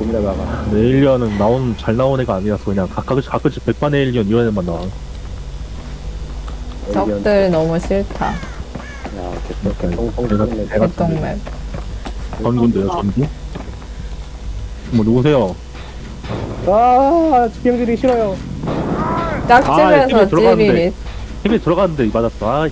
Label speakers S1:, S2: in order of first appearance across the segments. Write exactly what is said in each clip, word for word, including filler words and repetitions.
S1: 봄내다가.
S2: 에일리언은 나온 잘 나온 애가 아니라서 그냥 가끔씩 가끔씩 백반 에일리언 이런 애만 나와.
S3: 적들 너무 싫다.
S1: 야, 개똥, 개똥,
S2: 내가
S1: 똥,
S2: 내가
S3: 개똥맵.
S2: 전군데요 전군? 뭐 누구세요?
S1: 아, 집경들이 싫어요.
S3: 짝집에서
S2: 힘이 들어갔는데.
S3: 찌릿.
S2: 힘이 들어갔는데 맞았어. 아,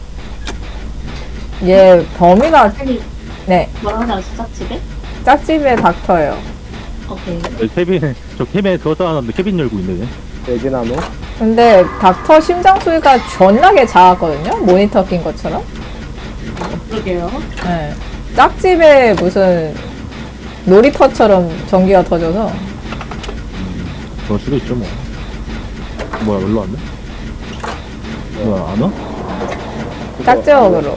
S3: 얘 범위가
S4: 아니,
S3: 네
S4: 뭐라고 하지, 짝집에?
S3: 짝집에 닥터예요.
S4: 오케이.
S2: 네, 케빈 저 케빈에 들어다 놨는데 케빈 열고 있네.
S1: 돼지나무.
S3: 근데 닥터 심장 소리가 존나게 작았거든요. 모니터 낀 것처럼.
S4: 그러게요.
S3: 네. 짝집에 무슨 놀이터처럼 전기가 터져서
S2: 그럴 수도 있죠 뭐. 뭐야 일로 왔네? 뭐야 안 와?
S3: 짝지역으로.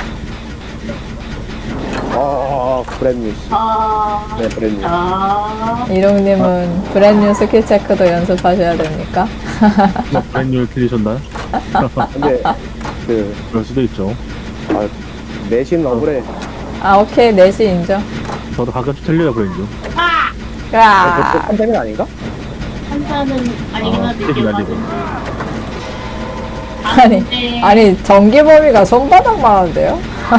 S1: 아, 브랜뉴.
S4: 아,
S1: 네, 브랜뉴.
S4: 아,
S3: 이롱님은 브랜뉴 스킬 체크도 연습하셔야 됩니까?
S2: 브랜뉴를 틀리셨나요?
S1: 근데, 그,
S2: 그럴 수도 있죠.
S1: 아, 내신 억울해.
S3: 아 오케이 넷이 인정.
S2: 저도 가끔씩 틀려요 브랜뉴.
S4: 아!
S1: 아,
S3: 야
S1: 그것도 판테는 아닌가?
S4: 한자는 아니긴
S2: 아,
S4: 한데,
S2: 스텝이
S4: 기억
S2: 날리고.
S3: 아니 아니 전기 범위가 손바닥만 한데요?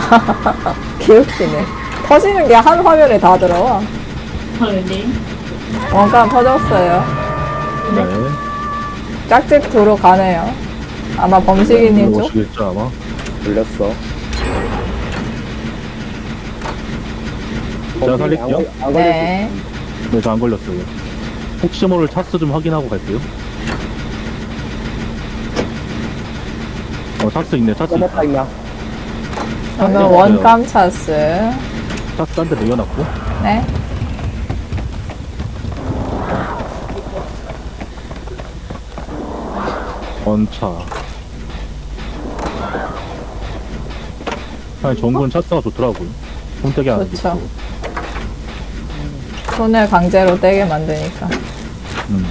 S3: 개웃기네. 터지는 게 한 화면에 다 들어와.
S4: 님
S3: 원감 터졌어요.
S2: 네.
S3: 짝집 도로 가네요. 아마 범식이님 쪽?
S2: 오시겠죠 아마.
S1: 돌렸어.
S2: 제가 살릴게요.
S1: 안, 안 걸릴
S3: 네.
S2: 네, 저 안 걸렸어요. 혹시 모를 차스 좀 확인하고 갈게요. 어, 차스 있네, 차스
S1: 수 있어.
S2: 있다.
S1: 있나?
S3: 저는 원감 차스.
S2: 차스 한 대 내려놨고.
S3: 네.
S2: 원차. 아니, 정군 차스가 좋더라고요. 손떼기 안 하고.
S3: 좋죠. 손을 강제로 떼게 만드니까.
S2: 음.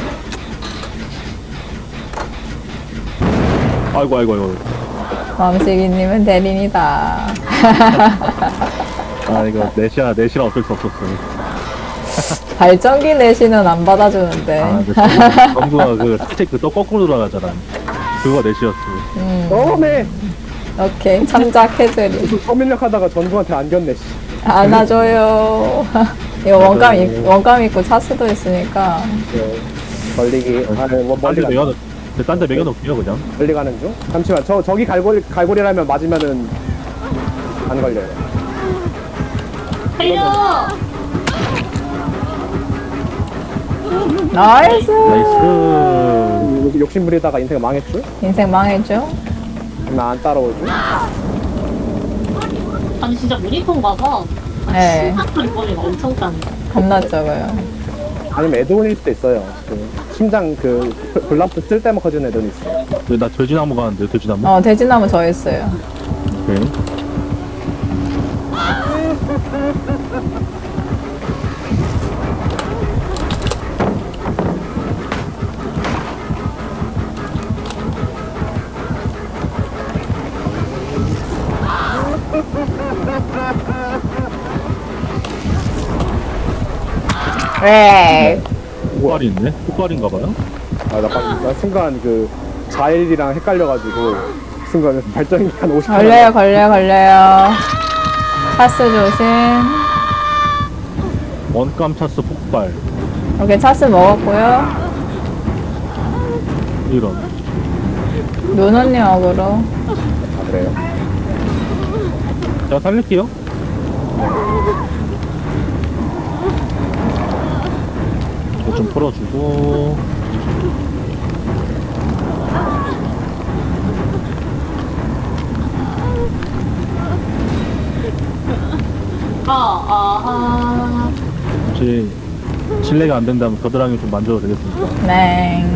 S2: 아이고, 아이고, 아이고.
S3: 범식이님은 대린이다.
S2: 아, 이거 넷이야, 넷이라 어쩔 수 없었어요.
S3: 발전기 내시는 안 받아주는데.
S2: 아, 근데 정구가 그, 살짝 그또 거꾸로 돌아가잖아. 그거 넷이었어.
S3: 음,
S1: 너무해.
S3: 오케이. 참작 해드리.
S1: 무슨 서민력 하다가 전부한테 안겼네, 씨.
S3: 안아줘요. 이거 원감, 있, 원감 있고 차스도 있으니까.
S1: 네. 걸리기. 아, 뭐, 멀리
S2: 딴데
S1: 가.
S2: 매겨, 딴데 매겨놓을게요, 그냥.
S1: 멀리 가는 중? 잠시만, 저, 저기 갈고리, 갈고리라면 맞으면은 안 걸려요.
S4: 달려!
S3: 나이스!
S2: 나이스.
S1: 여기 욕심 부리다가 인생 망했죠?
S3: 인생 망했죠?
S1: 나 안 따라오죠?
S4: 아니, 진짜 모니터인가 봐.
S3: 네.
S4: 심장 소리 범위가 엄청 작네.
S3: 겁나 적어요.
S1: 아니면 애드온일 수도 있어요. 그 심장 그 블라스트 쓸 때만 커지는 애드온 있어요.
S2: 왜 나 돼지나무 가는데, 돼지나무?
S3: 어, 돼지나무 저 있어요.
S2: 오케이.
S3: 왜?
S2: 폭발이 있네? 폭발인가봐요?
S1: 아, 나 방금 나 순간 그 자일이랑 헷갈려가지고 순간 발전기 한 오십 분.
S3: 걸려요, 걸려요, 걸려요. 차스 조심.
S2: 원감 차스 폭발.
S3: 오케이, 차스 먹었고요.
S2: 이런.
S3: 눈 언니 어그로.
S1: 아, 그래요.
S2: 제가 살릴게요. 이거 좀 풀어주고.
S4: 아, 아, 아.
S2: 혹시 실례가 안 된다면 겨드랑이 좀 만져도 되겠습니까?
S3: 네.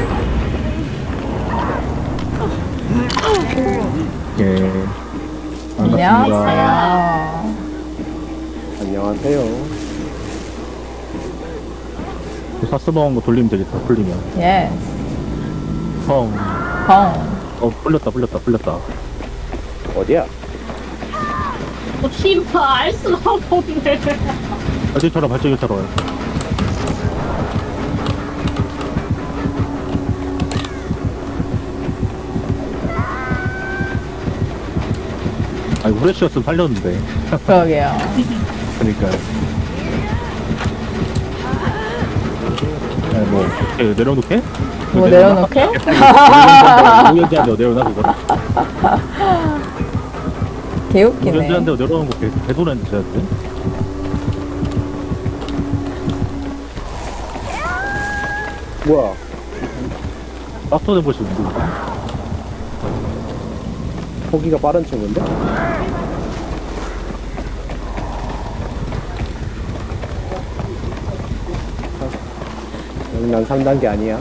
S2: 예. 반갑습니다.
S3: 안녕하세요.
S1: 안녕하세요.
S2: 사스 먹은 거 돌리면 되겠다, 풀리면.
S3: 예스.
S2: 성.
S3: 펑.
S2: 어, 풀렸다, 풀렸다, 풀렸다.
S1: 어디야?
S4: 어, 씨발, 알 수가 없네.
S2: 발전기처럼, 발전기처럼. 아니 후레쉬였으면 살렸는데.
S3: 그러게요.
S2: 그러니까. 아니 뭐 이렇게 내려놓게?
S3: 뭐 내려놓게?
S2: 우연지한데 내려놔 그거.
S3: 개웃기네.
S2: 우연지한데 내려놓은 거 개- 개소리한테 줘야 돼.
S1: 뭐야?
S2: 빡터된 것이 누구?
S1: 포기가 빠른 친구인데? 여기 난 삼 단계 아니야.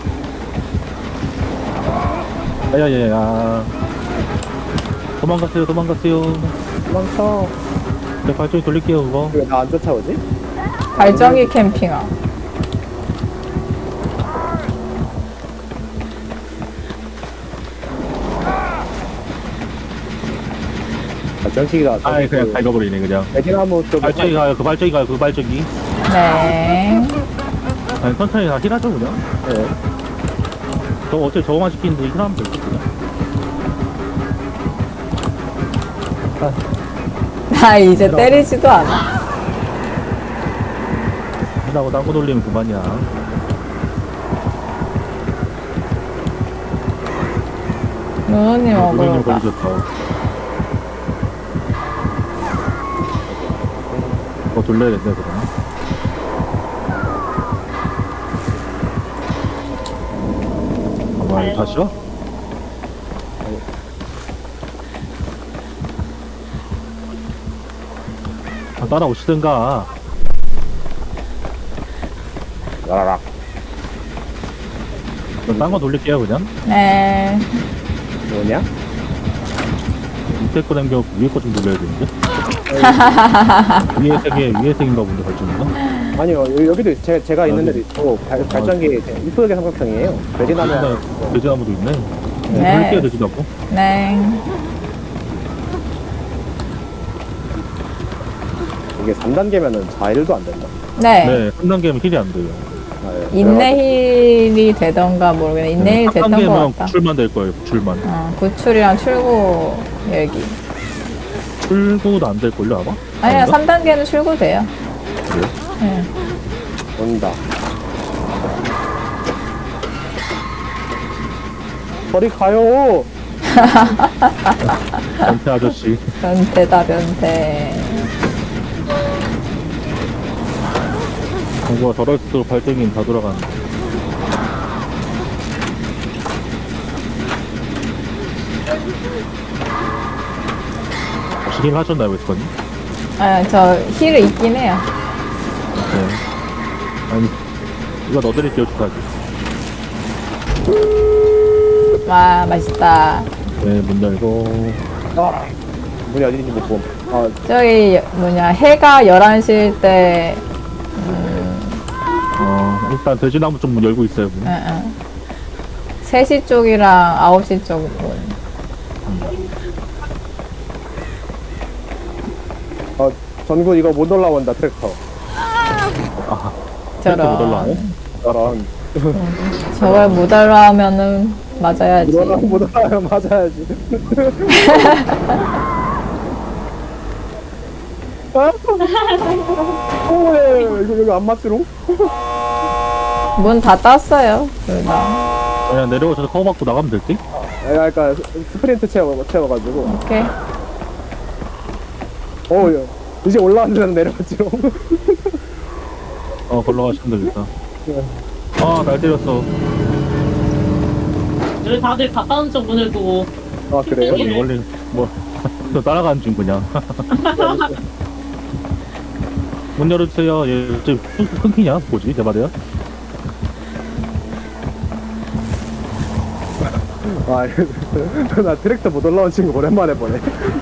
S2: 야야야야. 도망가세요 도망가세요.
S1: 도망쳐.
S2: 내 발전기 돌릴게요 그거.
S1: 왜 나 안 쫓아오지?
S3: 발전기 캠핑아.
S1: 발전기가
S2: 아이 그냥 다 익어버리네 그냥.
S1: 애기나무 쪽에
S2: 발전기 가요 그 발전기 가요 그 발전기.
S3: 네.
S2: 아니 천천히 다 힐하죠 그냥.
S1: 네.
S2: 저 어째 저거만 시키는데 힐하면 될거 그냥.
S3: 나 이제 때리지도 않아.
S2: 힐하고 딴거 돌리면 그만이야.
S3: 누누님
S2: 누구님
S3: 먹으러 가.
S2: 걸리셨다. 어 돌려야겠네 그럼. 가만히 다시요? 아, 따라오시든가.
S1: 라라락.
S2: 딴 거 돌릴게요 그냥.
S3: 네.
S1: 뭐냐?
S2: 밑에 거 남겨 위에 거 좀 돌려야 되는데. 위에 색에 위에 색인가 본데 발전인가?
S1: 아니요, 여- 여기도 있- 제, 제가 있는
S2: 아,
S1: 데도 있고 발, 발전기 이쁘게 삼각형이에요. 돼지나무.
S2: 돼지나무도 있네.
S3: 네.
S2: 돌릴게요 돼지나무.
S3: 네.
S1: 이게 삼 단계면은 자일도 안 된다.
S3: 네.
S2: 네, 삼 단계면 힐이 안 돼요.
S1: 아, 예.
S3: 인내힐이 되던가 모르겠네. 인내힐
S2: 삼
S3: 됐던 것
S2: 단계면
S3: 같다.
S2: 구출만 될 거예요. 구출만.
S3: 어, 구출이랑 출구 열기.
S2: 출구도 안 될 걸요 아마?
S3: 아니야,
S2: 아닌가?
S3: 삼 단계는 출구돼요.
S2: 그래요?
S3: 네.
S1: 온다. 저리 가요.
S2: 변태 아저씨.
S3: 변태다, 변태.
S2: 공부가 저럴수록 발전기는 다 돌아가는. 혹시 힐 하셨나요, 웨스건님?
S3: 아, 저 힐을 있긴 해요.
S2: 네. 아니, 이거 넣어드릴게요, 주사기.
S3: 와, 맛있다.
S2: 네, 문 열고.
S1: 아, 문이 어디인지 못 봄. 아,
S3: 저기, 뭐냐, 해가 열한 시일 때,
S2: 어, 일단 돼지나무 좀 문 열고 있어요, 문.
S3: 응, 응. 세 시 쪽이랑 아홉 시 쪽 문.
S1: 어, 전군 이거 못 올라온다 트랙터.
S2: 아, 트랙터 못 올라와요?
S3: 저런.
S1: 저런.
S3: 저걸 못 알아하면은 맞아야지.
S1: 못 올라 못 올라요 맞아야지. 아, 오, 예, 예, 이거 여기 안 맞지롱?
S3: 문 다 땄어요, 둘 다.
S2: 그냥 내려오셔서 커버 받고 나가면 될 듯?
S1: 아, 그러니까 스프린트 채워 채워가지고.
S3: 오케이.
S1: 오, 예. 이제 올라왔는데 내려왔지롱.
S2: 어, 걸러 가시면 되겠다.
S1: 예.
S2: 아, 날 때렸어.
S4: 여기 다들 가까운 쪽 문을 두고
S1: 아 그래요?
S2: 원래, 원래, 뭐, 저 따라가는 중, 그냥. 문 열어주세요. 얘, 쟤, 끊- 끊기냐? 뭐지? 내 말이야?
S1: 아, 나 트랙터 못 올라온 친구 오랜만에 보네.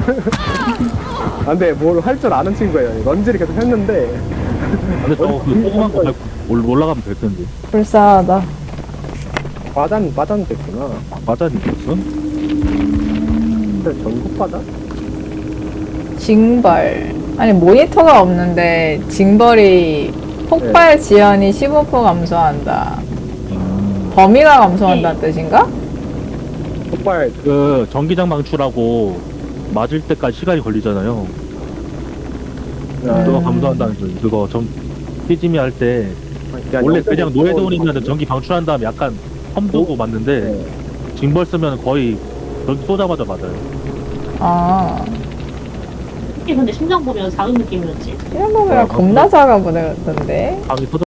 S1: 아, 근데 뭘 할 줄 아는 친구예요. 런지를 계속 했는데.
S2: 근데 저거 그 조그만 거 밟고 올- 올라가면 될 텐데.
S3: 불쌍하다.
S1: 바단, 바단 됐구나.
S2: 맞아니 있었어?
S1: 근데 전국 바단?
S3: 징벌. 아니, 모니터가 없는데, 징벌이 폭발 지연이 십오 퍼센트 감소한다.
S2: 음,
S3: 범위가 감소한다는 뜻인가?
S1: 폭발,
S2: 그, 전기장 방출하고, 맞을 때까지 시간이 걸리잖아요.
S1: 아,
S2: 그거 감소한다는 소리. 그거 전 피지미 할 때 원래 그냥 노예도원이면 전기 방출한 다음에 약간 험 두고 맞는데
S1: 네.
S2: 징벌 쓰면 거의 전기 쏘자마자 맞아요.
S3: 아,
S4: 특히 근데 심장 보면 작은 느낌이었지.
S3: 이런 거면 겁나 작아 보이던데.
S2: 방이 터져